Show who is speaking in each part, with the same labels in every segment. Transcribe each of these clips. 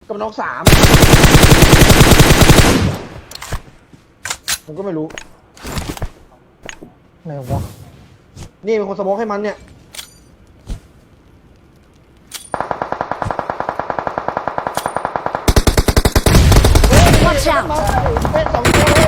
Speaker 1: กับน้องสามผมก็ไม่รู้ไหนวะนี่เป็นคนสโมกให้มันเนี่ย
Speaker 2: Watch out!
Speaker 1: เป็นสองตัวเลย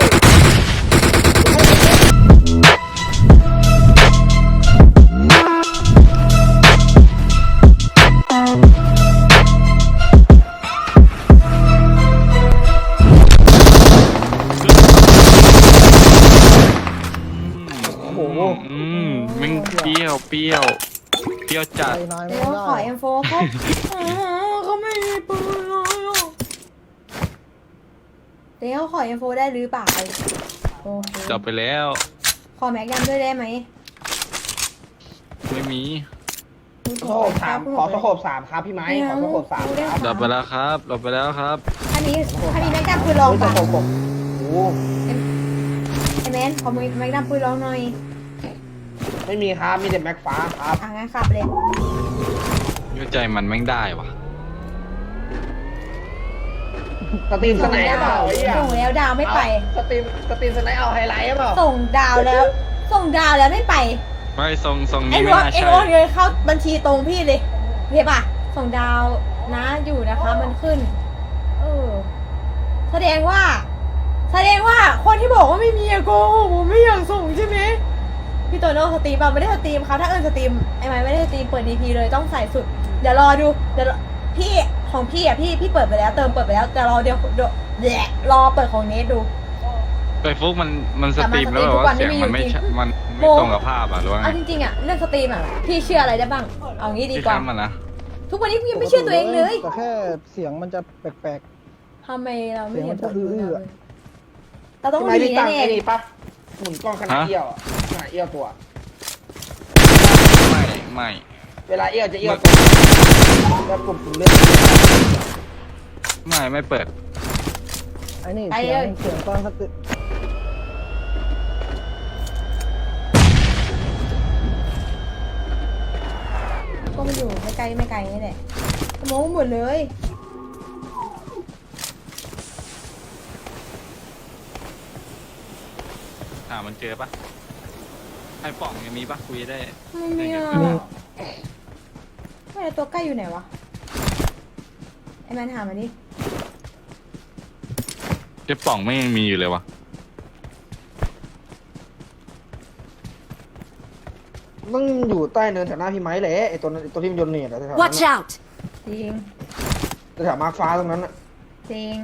Speaker 1: โอ้โห
Speaker 3: มึงเปรี้ยวจัด
Speaker 2: เดี๋ยวขอ M4 เขาเขาไม่มีปืนเลยเดี๋ยวขอ M4 ได้หรือเปล่าโอเค
Speaker 3: จับไปแล้ว
Speaker 2: ขอแม็กยัมด้วยได้ไหม
Speaker 3: ไม่มี
Speaker 1: สโคบสามขอสโคบสามครับพี่ไม้ขอสโคบสามครับ
Speaker 3: ดับไปแล้วครับ
Speaker 2: อันนี้แม็กดัมปืนลอง
Speaker 1: ส
Speaker 2: ป่ะ
Speaker 1: โคบผมโอ้
Speaker 2: ไอแมนขอแม็กดัมปืนลองหน่อย
Speaker 1: ไม่มีครับมีแต่แม็กฟ้าครับ
Speaker 2: งั้นขับเลย
Speaker 3: เข้าใจมันแม่งได้วะ
Speaker 1: สตรีมสไนด์เปล่าไอ้เหี้ย
Speaker 2: ส่งแล้วดาวไม่ไป
Speaker 1: สตรีมสไนด์เอาไฮไลท์เปล่า
Speaker 2: ส่งดาวแล้วไม่ไป
Speaker 3: ไม่ทรง
Speaker 2: ไอ้
Speaker 3: นี้
Speaker 2: ร
Speaker 3: ไม่
Speaker 2: ถ
Speaker 3: น่า
Speaker 2: ไอ้
Speaker 3: ใช่
Speaker 2: รถเงินเข้าบัญชีตรงพี่เลยเห็นป่ะส่งดาวนะอยู่นะคะมันขึ้นแสดงว่าคนที่บอกว่าไม่มีอะโกหกผมไม่อยากส่งใช่ไหมพี่โตโน่สตรีมป่ะไม่ได้สตรีมครับถ้าสตรีมไอ้ไม้ไม่ได้สตรีมเปิด DP เลยต้องใส่สุดเดี๋ยวรอดูเดี๋ยวพี่ของพี่อะพี่เปิดไปแล้วเติมเปิดไปแล้วแต่รอเดี๋ยวรอเปิดของเนทดู
Speaker 3: ไปฟุกมันสตรีมแล้วแบบว่าเสียงมันไม่ตรงกับภาพอ่ะหรือว่าไง
Speaker 2: เอาจริงๆอะเรื่องสตรีมอะพี่เชื่ออะไรได้บ้างเอางี้ดี
Speaker 3: พี่
Speaker 2: กว่า
Speaker 3: ค้ำมันนะ
Speaker 2: ทุกวันนี้พี่ยังไม่เชื่อตัวเองเลย
Speaker 4: แต่แค่เสียงมันจะแปลก
Speaker 2: ทำไมเราไม่เห็นผล
Speaker 4: เสียงมันจะอื้อ
Speaker 2: เราต้อง
Speaker 1: พี่ไม้
Speaker 2: ดี
Speaker 1: พี่ตั้ง
Speaker 2: แน่
Speaker 1: ไอ้นี่ปะหมุนกล้องขนาดเอี้ยวอะขนาดเอี้ยวตัว
Speaker 3: ไม่
Speaker 1: เวลาเอี้ยวจะเอี้ยวตัวแล้วปุ่มเลื่อน
Speaker 3: ไม่เปิด
Speaker 4: ๆไอ้นี่เสียงตอนสติ
Speaker 2: ก็มาอยู่ไม่ไกลนี่แหละสมองหมดเลย
Speaker 3: มันเจอปะไอ้ป่องยังมีปะคุยได้
Speaker 2: ไม่มีอ่ะไม่แล้วตัวใกล้อยู่ไหนวะไอ้แมนหามาดิ
Speaker 3: ไอ้ป่องไม่ยังมีอยู่เลยวะ
Speaker 1: ต้องอยู่ใต้เนินแถวหน้าพี่ไม้แหละไอ้ตัวที่มันโยนเนียดอะแถวนั้น
Speaker 2: Watch out จริง
Speaker 1: แถวมาร์คฟ้าตรงนั้นอะ
Speaker 2: จริง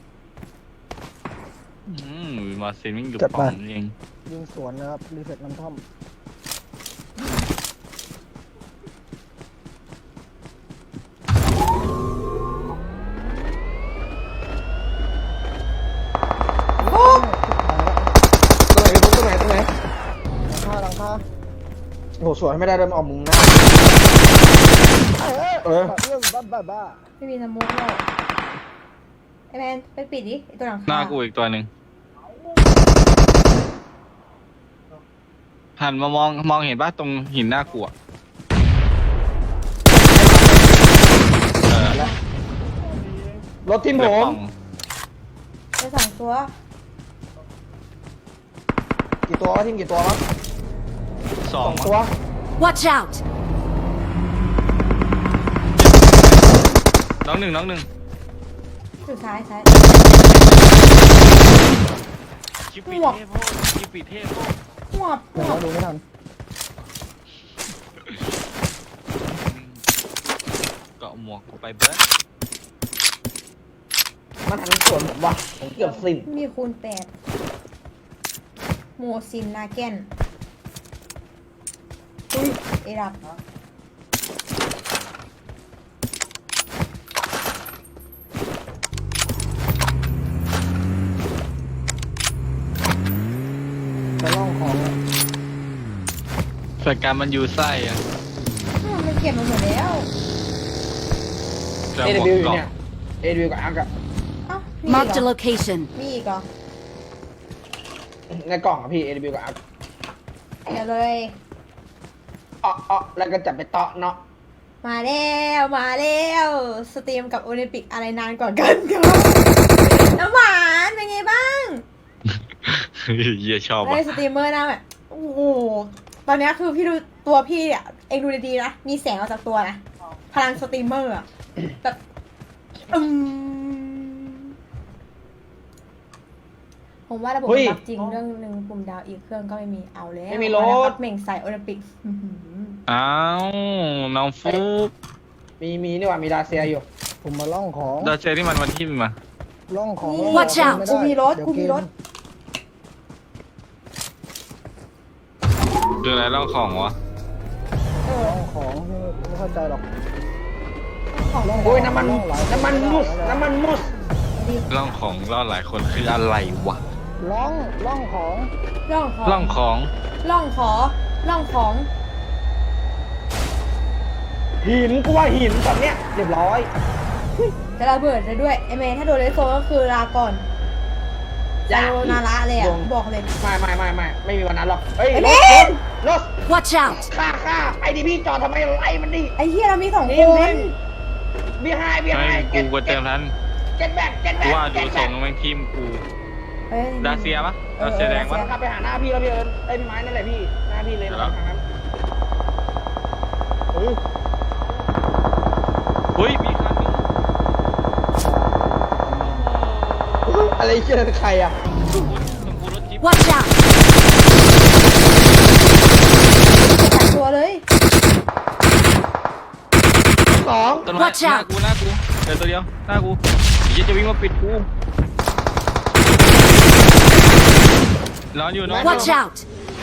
Speaker 3: มาเซนวิ่งอยู่ป่องเอง
Speaker 4: ยิงสวนนะครับรีเซ็ตน้ำท่อม
Speaker 1: ตรงไหน
Speaker 4: หลังคา
Speaker 1: โอ้โหสวนไม่ได้เลยมันออกมุมนะเออ
Speaker 4: เรื่องบ้า
Speaker 2: ไม่มีสมุกหรอกไอ้แมนไปปิดดิไอ้ตัวหลังคา
Speaker 3: หน้ากูอีกตัวหนึ่งหันมามองเห็นปะตรงหินหน้ากูอะ
Speaker 1: รถทิมผ
Speaker 3: ไอ้
Speaker 1: ม
Speaker 3: ป่อง
Speaker 2: ไปสองตัว
Speaker 1: กี่ตัววะทิมกี่ตัววะ
Speaker 3: สอง
Speaker 1: ตัว
Speaker 2: Watch out
Speaker 3: น้องหนึ่ง
Speaker 2: อยู่ซ้าย
Speaker 3: คิปปีเทพโพด
Speaker 2: หัว
Speaker 4: ๆเดี๋ยวเราดูไม่ทัน
Speaker 3: เกาะหมวกกูไปเบิร์ด
Speaker 1: มันหันสวนผมว่ะผมเกือบสิบ
Speaker 2: มีคูณ8โมซินนาแกนอุ้ยเอรับ
Speaker 4: จะล่องของ
Speaker 3: สายการมันอยู่ไส้อะ
Speaker 2: มันเก็บมาหมดแล้ว
Speaker 3: จะ
Speaker 1: เอ
Speaker 3: หมวก
Speaker 1: วิวอยู่
Speaker 3: เกาะ
Speaker 1: เนี่ยเอวิวกับอาร์กอะ
Speaker 2: เอ้า
Speaker 5: Marked a location.
Speaker 2: มีอีกเหรอ
Speaker 1: ในกล่องอะพี่เอวิวกับอาร์ก
Speaker 2: เดี๋ยวเลย
Speaker 1: แล้วก็จับไปเตาะเนาะ
Speaker 2: มาแล้วมาแล้วสตรีมกับโอลิมปิกอะไรนานกว่ากันครับน้ำหวานเป็นไงบ้าง
Speaker 3: เหี้ยชอบ
Speaker 2: ได้
Speaker 3: อ่ะ
Speaker 2: สตรีมเมอร์นะแบบโอ้โหตอนเนี้ยคือพี่ดูตัวพี่อ่ะเองดูดีๆนะมีแสงออกจากตัวนะพลังสตรีมเมอร์อ่ะแบบผมว่าระบบมันรับจริงเรื่องหนึ่งปุ่มดาวอีกเครื่องก็ไม่มีเอาแล้ว
Speaker 1: ไม่มีร
Speaker 2: นะค
Speaker 1: ถ
Speaker 2: รับเหม่งใส่โอลิมปิกอื้อหือ
Speaker 3: อ้าวน้องฟุก
Speaker 1: มีนี่หว่ามีดาเซียอยู่
Speaker 4: ผมมาล่องของ
Speaker 3: ดาเจนี่มันวันที่มา
Speaker 4: ล่องของ
Speaker 2: นี่
Speaker 4: Watch out
Speaker 2: กูมีรถ
Speaker 4: เดี๋ยว
Speaker 2: กูมีรถ
Speaker 3: คืออะไรเล่าของวะ
Speaker 2: เออ
Speaker 4: ล่องของไม่เข้าใจหรอก
Speaker 2: ของ
Speaker 4: ล่องขง
Speaker 1: โอ้ยน้ำมัน
Speaker 4: ล่องหลาย
Speaker 1: น้ำมันมุสน้ำมันมุส
Speaker 3: เล่าของเล่าหลายคนคืออะไรวะ
Speaker 4: ล่องของ
Speaker 2: ร่องของ
Speaker 3: เล่าของ
Speaker 2: ร่องขอร่องของ
Speaker 1: หินกูว่าหินตอนเนี้ยเรียบร้อย
Speaker 2: จะระเบิดเลยด้วยไอเมย์ถ้าโดนเลสโซก็คือลาก่อนจะโดนาระเลยอ่ะบอกเลย
Speaker 1: ไม่มีวันนั้นหรอกเฮ้ย
Speaker 2: ไอ้
Speaker 1: ร
Speaker 2: เบ
Speaker 1: ถ
Speaker 2: น
Speaker 1: รถ
Speaker 5: Watch out!
Speaker 1: ฆ่าไอ้ดิพี่จอดทำไมไล่มันดิ
Speaker 2: ไอเฮียเรามี2
Speaker 1: นี่
Speaker 2: คน
Speaker 1: มันบีไฮ
Speaker 3: ไม่กูก็เติมทัน
Speaker 1: เจ็ดแบก
Speaker 3: กูว่าดูส่งแม่งทีมกู
Speaker 2: เฮ้ย
Speaker 3: ดาเซียปะดาเซียแดงปะ
Speaker 1: ขับไปหาหน้าพี่แล้วพี่เอิญไอ้พี่ไม้นั่นแหละพี่หน้าพี่เลย
Speaker 3: เดี๋ยว
Speaker 1: ทางนั้น
Speaker 3: เฮ้ยมีคันนึง
Speaker 1: อะไรเชื่อใครอ่ะ
Speaker 3: ของกูรถจิ๊บ
Speaker 5: Watch out!
Speaker 2: จับตัวเลย
Speaker 1: สอง
Speaker 3: ต้นไม้
Speaker 5: Watch
Speaker 3: หน้า
Speaker 5: out
Speaker 3: กูเดี๋ยวตัวเดียวหน้ากูเหี้ยจะวิ่งมาปิดกูนอนอยู่นอนอยู่
Speaker 5: Watch out!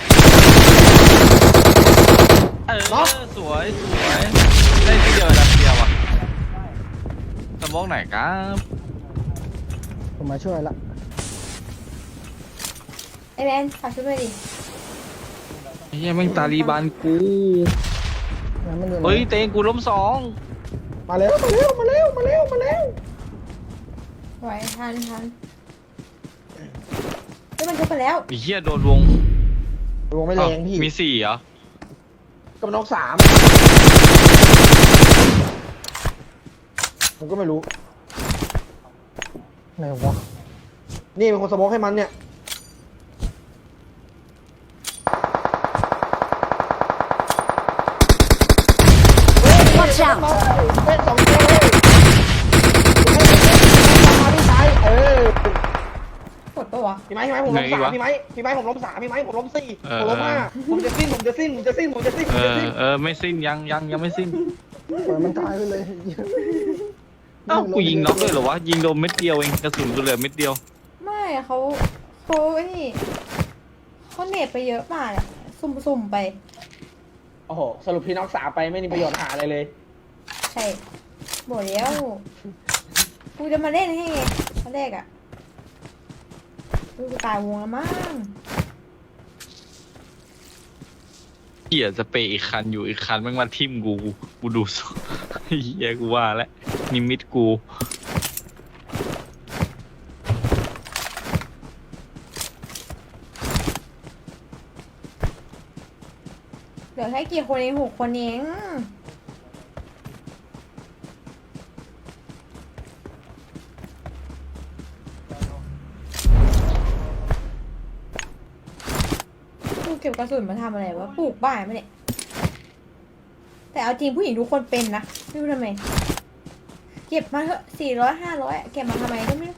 Speaker 3: สวยได้ที่เดียวดาเซียว่ะสมองไหนครับ
Speaker 4: ผมมาช่วยละ
Speaker 2: ไอแมนฝากช่วยด้วยดิ
Speaker 3: เฮียแม่งตาลีบานกู
Speaker 4: งั้นมันอยู่ไหน
Speaker 3: เฮ้ยเตงกูล้มสอง
Speaker 1: มาแล้ว
Speaker 2: ไหวทันเฮ้ยมันทุบไปแล้ว
Speaker 3: ไอ้เฮียโดนวง
Speaker 1: วงไม่แรงพี่
Speaker 3: มี4เหรอ
Speaker 1: กับน้อง3ผมก็ไม่รู้
Speaker 4: ไหนวะ
Speaker 1: นี่เป็นคนสโมกให้มันเนี่ย
Speaker 5: Watch out!
Speaker 1: เป็น2ตัวเลยมาพี่ชาย
Speaker 2: กดปะวะ
Speaker 1: พี่ไม้ผมล้ม3พี่ไม้ผมล้ม3พี่ไม้ผมล้ม4ผมล้ม5ผมจะสิ้น
Speaker 3: ไม่สิ้นยังไม่สิ้น
Speaker 4: ปล่อยมันตายไปเลย
Speaker 3: เอ้ากูยิงน็อกเลยเหรอวะยิงโดนเม็ดเดียวเองกระสุนกูเหลือเม็ดเดียว
Speaker 2: ไม่เขาไอ้นี่เขาเน็ตไปเยอะมากอะสุ่มไป
Speaker 1: โอ้โหสรุปพี่น้อง3ไปไม่มีประโยชน์หาอะไรเลย
Speaker 2: ใช่บอกแล้วกูจะมาเล่นให้ไงตอนแรกอะกูตายวงแล้วมั้ง
Speaker 3: เหี้ยสเปรย์อีกคันอยู่อีกคันแม่งมาทิ่มกูดูสเหี้ยกูว่าแล้วนิมิตกู
Speaker 2: เหลือแค่กี่คนเอง6 คนเองกูเก็บกระสุนมาทำอะไรวะปลูกบ้านไหมเนี่ยแต่เอาจริงผู้หญิงทุกคนเป็นนะไม่รู้ทำไมเก็บมาเถอะ400-500เก็บมาทำไมก็ไม่รู้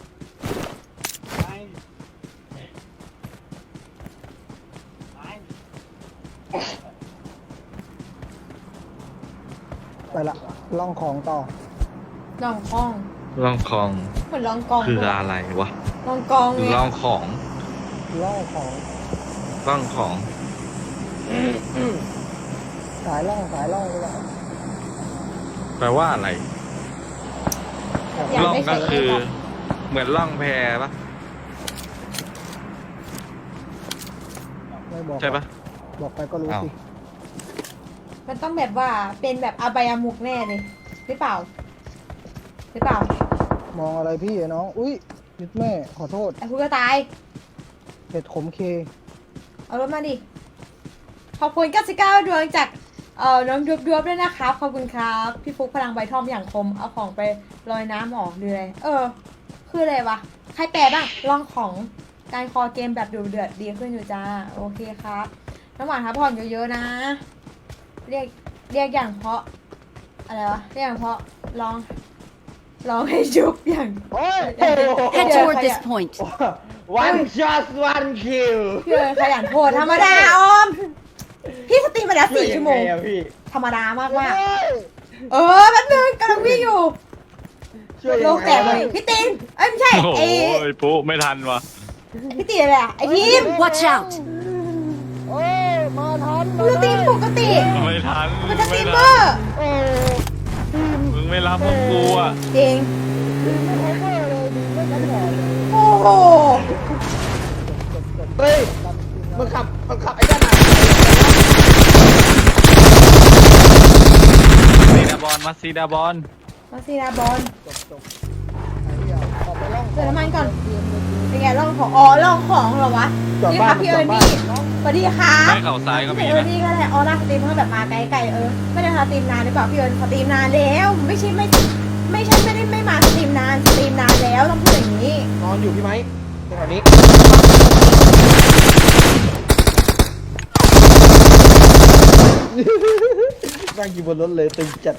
Speaker 4: ไปละล่องของต่อ
Speaker 2: ลองกอง
Speaker 3: ลองของ
Speaker 2: เหมือนลองกอง
Speaker 3: คืออะไรวะ
Speaker 2: ลองกองไง
Speaker 3: ลองของ
Speaker 4: ล่องของ
Speaker 3: ลองของ
Speaker 4: สายล่องไปละ
Speaker 3: แปลว่าอะไร
Speaker 2: อยาก
Speaker 3: ล่อง
Speaker 2: ไม่
Speaker 3: ก็
Speaker 2: ใช่
Speaker 3: คือ
Speaker 2: เอง
Speaker 3: เหมือนล่องแพปะ
Speaker 4: ไม่บอก
Speaker 3: ใช่ปะ
Speaker 4: บอกไปก็รู้
Speaker 3: อ้าว
Speaker 4: สิ
Speaker 2: มันต้องแบบว่าเป็นแบบอบายามุกแน่เลยหรือเปล่าม
Speaker 4: องอะไรพี่น้องอุ้ยยึดแม่ขอโทษ
Speaker 2: ไอ้คุณก็ตาย
Speaker 4: เห็ดขมเค
Speaker 2: เอารถมาดิ ขอบคุณ99 ดวงจากน้องดวบด้วยนะครับ ขอบคุณครับ พี่ฟุกพลังใบทอมอย่างคม เอาของไปลอยน้ำออกหรืออะไรคืออะไรวะ ใครแปลบ้างลองของการคอเกมแบบดูเดือดดีขึ้นอยู่จ้า โอเคครับน้ำหวานครับผ่อนเยอะๆนะ เรียกอย่างเพราะ อะไรวะ เรียกอย่างเพราะลองให้จุบอย่าง
Speaker 1: โอ้ย
Speaker 5: Head toward this point.
Speaker 1: one shot one kill
Speaker 2: พี่เอิญขยันโพดธรรมดาออม พี่สตรีมมาแล้ว4 ชั่วโมง
Speaker 1: ช่ยยัไอะพี่
Speaker 2: ธรรมดามาก
Speaker 4: เฮ้ย
Speaker 2: ๆแป๊บนึงกำลังวิ่งอยู่
Speaker 1: ช่วยยังไง
Speaker 2: โลกแตกเลยพี่ตินไม่ใช่
Speaker 3: โอ้โห
Speaker 2: ไอ้
Speaker 3: ปุ๊ไม่ทันวะ
Speaker 2: พี่ตินอะไรอะไอ้ทีม
Speaker 5: Watch out!
Speaker 4: โอ้ยมาทัน
Speaker 2: สตรีมปกติ
Speaker 3: ไม่ทัน
Speaker 2: มันจะสตรีมเมอร์
Speaker 4: โอ้
Speaker 3: มึงไม่รับพวกกูอ่ะ
Speaker 2: จริง
Speaker 4: ดีไม่คอเวอร์เลยดีไม่ซัพพอร์ตเลย
Speaker 2: โอ้โห
Speaker 1: เฮ้ยมันขับไอ้ด้านไหน
Speaker 3: ซีดาบอลมาซีดาบอล
Speaker 2: มาซีนาบอล
Speaker 4: จบไอ้เหี้ยออกไปล่อง
Speaker 2: เติมน้ำมันก่อน
Speaker 4: เตรียมเลย
Speaker 2: เป็นไงล่องของล่องของเหรอวะนี่ครับพี่เอิญนี่สวัสดีค่ะ
Speaker 3: ไม่เข่าซ้ายก็มี
Speaker 2: พี่เอิญ
Speaker 3: นะ
Speaker 2: นี่ก็แหละออร่าสตรีมเมอร์แบบมาไกลไม่ได้สตรีมนานหรือเปล่าพี่เอิญสตรีมนานแล้วไม่ใช่ไม่ได้ไม่มาสตรีมนานแล้วต้องพูดอย่างนี้
Speaker 1: นอนอยู่พี่ไม้ตรงนี้นั่งอยู่บนรถเลยตึงจัด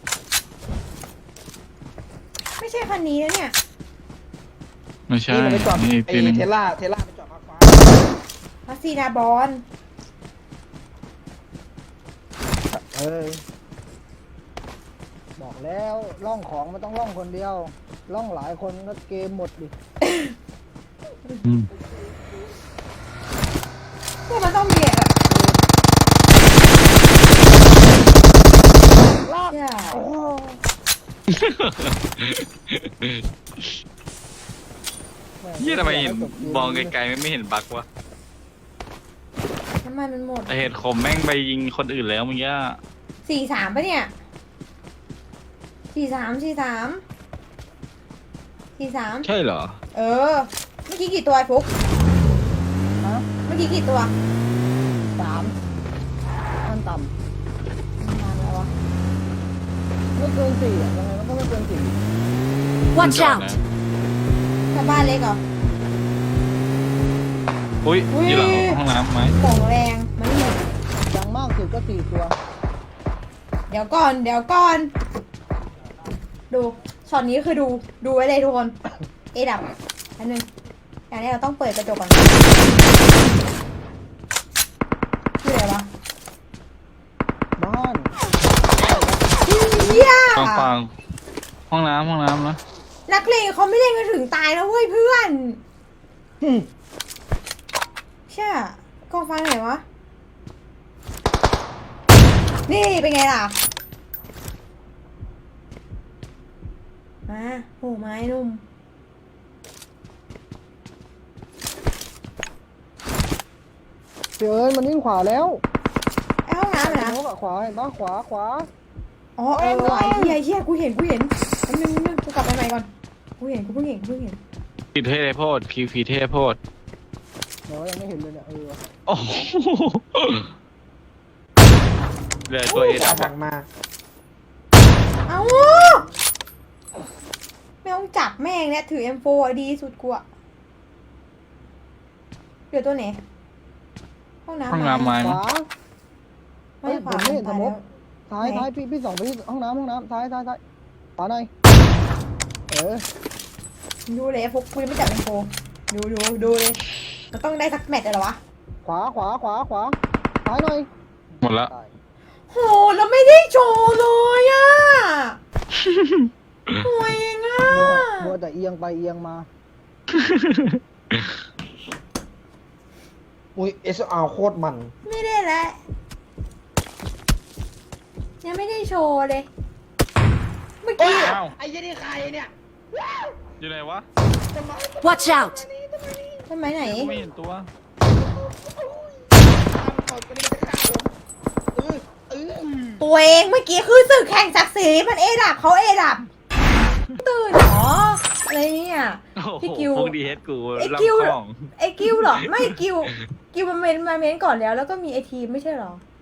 Speaker 2: ไม่ใช่คันนี้นะเนี่ย
Speaker 3: ไม่ใช่
Speaker 1: นี่มันไปจอด
Speaker 3: นี่
Speaker 1: ไอ้
Speaker 3: ปีนึง
Speaker 1: เทสลาไปจอดมาฟ้า
Speaker 2: มาซีนาบอล
Speaker 4: เออบอกแล้วล่องของมันต้องล่องคนเดียว ล่องหลายคนก็เกมหมดดิ
Speaker 3: อืม
Speaker 2: พวกมันต้องมีแบบ
Speaker 4: ลาก
Speaker 2: เนี่ย
Speaker 4: โอ้
Speaker 3: เฮียทำไมเห็นมองไกลๆไม่เห็นบักวะ
Speaker 2: น้ำมันมันหมด
Speaker 3: แต่เห็นคมแม่งไปยิงคนอื่นแล้วเมึงย่า
Speaker 2: 43ปะเนี่ย43
Speaker 3: ใช่เหรอ
Speaker 2: เมื่อกี้กี่ตัวไอ้ฟุก
Speaker 4: ฮะ
Speaker 2: เมื่อกี้กี่ตัว
Speaker 4: 3ขั้นต่
Speaker 2: ประมาณอะไรวะ
Speaker 4: ำไม่เกิน4อ่ะยังไงมันก็ไม่เกิน4
Speaker 5: Watch out!
Speaker 2: ชาวบ้านเล็กเหรอ
Speaker 3: อุ้ย
Speaker 2: อุ้ย
Speaker 3: อยู่หลังห้องน้ำไหม
Speaker 2: ของแรงมันหมด
Speaker 4: อย่างมากสุดก็4ตัว
Speaker 2: เดี๋ยวก่อนดูช็อตนี้คือดูไว้เลยทุกคนเอดับอันนึงอย่างนี้เราต้องเปิดกระจกก่อนคืออะไรวะ
Speaker 4: บ้าน
Speaker 2: เฮีย
Speaker 3: ฟังห้องน้ำนะ
Speaker 2: นักเลงเขาไม่เล่นกันถึงตายนะเว้ยเพื่อนใช่กองไฟไหนวะนี่เป็นไงล่ะมาโหไม้นุ่ม
Speaker 4: เสือเอ้ยมันวิ่งขวาแล้ว
Speaker 2: ไอ้ห้องน้ำอะนะ
Speaker 4: นกอะขวาเห็นปะขวา
Speaker 2: อ๋อไหวเฮียกูเห็นอันนึงกูกลับไปใหม่ก่อนกูเห็น
Speaker 3: ผิดเทโพดผีเทโพด
Speaker 4: เดี๋ยวยังไม่เห็นเลยเนี่ยว่ะ
Speaker 3: โอ้โหเหลยตัวเอดับ
Speaker 1: สั่งมา
Speaker 2: เอ้าไม่ต้องจับแม่งเนี่ยถือ M4 อะดีสุดกูอะเดี๋ยวตัวไหนห้องน้ำ
Speaker 3: ห้องน้ำไม้
Speaker 4: ขวา
Speaker 2: ไม่ขวา
Speaker 4: เฮ้ยผมไม่เห็น
Speaker 2: ตาย
Speaker 4: สมมุ
Speaker 2: แล้
Speaker 4: ติ
Speaker 2: ว
Speaker 4: ซ้ายพี่ส่องไปที่ห้องน้ำซ้ายขวาหน่อย
Speaker 2: ดูเลยพวกกูยังไม่จับ M4 ดูเลยมันต้องได้สักแมตช์เลยเหรอวะ
Speaker 4: ขวาซ้ายหน่อย
Speaker 3: หมดละ
Speaker 2: โหเราไม่ได้โชว์เลยอะห่วยเองอะ
Speaker 4: มัวแต่เอียงไปเอียงมา
Speaker 1: อุ้ย SR โคตรมัน
Speaker 2: ไม่ได้แล้วยังไม่ได้โชว์เลย เมื่อกี้
Speaker 3: อ้าว
Speaker 1: ไอ้ยี่นี่ใครเนี่ย
Speaker 3: อยู่ไหนวะ
Speaker 5: Watch out!
Speaker 2: ทำไมไหน
Speaker 3: กูไม่เห็นตัว
Speaker 2: ตัวเองเมื่อกี้คือศึกแข่งศักดิ์ศรีมันเอดับเขาเอดับตื่นเหรออะไรเนี่ย
Speaker 3: โอ้โห
Speaker 2: พี่กิว
Speaker 3: พวกดีเฮดกู
Speaker 2: ไอ้
Speaker 3: รับ
Speaker 2: กิว
Speaker 3: ของ
Speaker 2: ไอ้กิวเหรอไม่กิวมันเมนก่อนแล้วก็มีไอทีมไม่ใช่เหรอ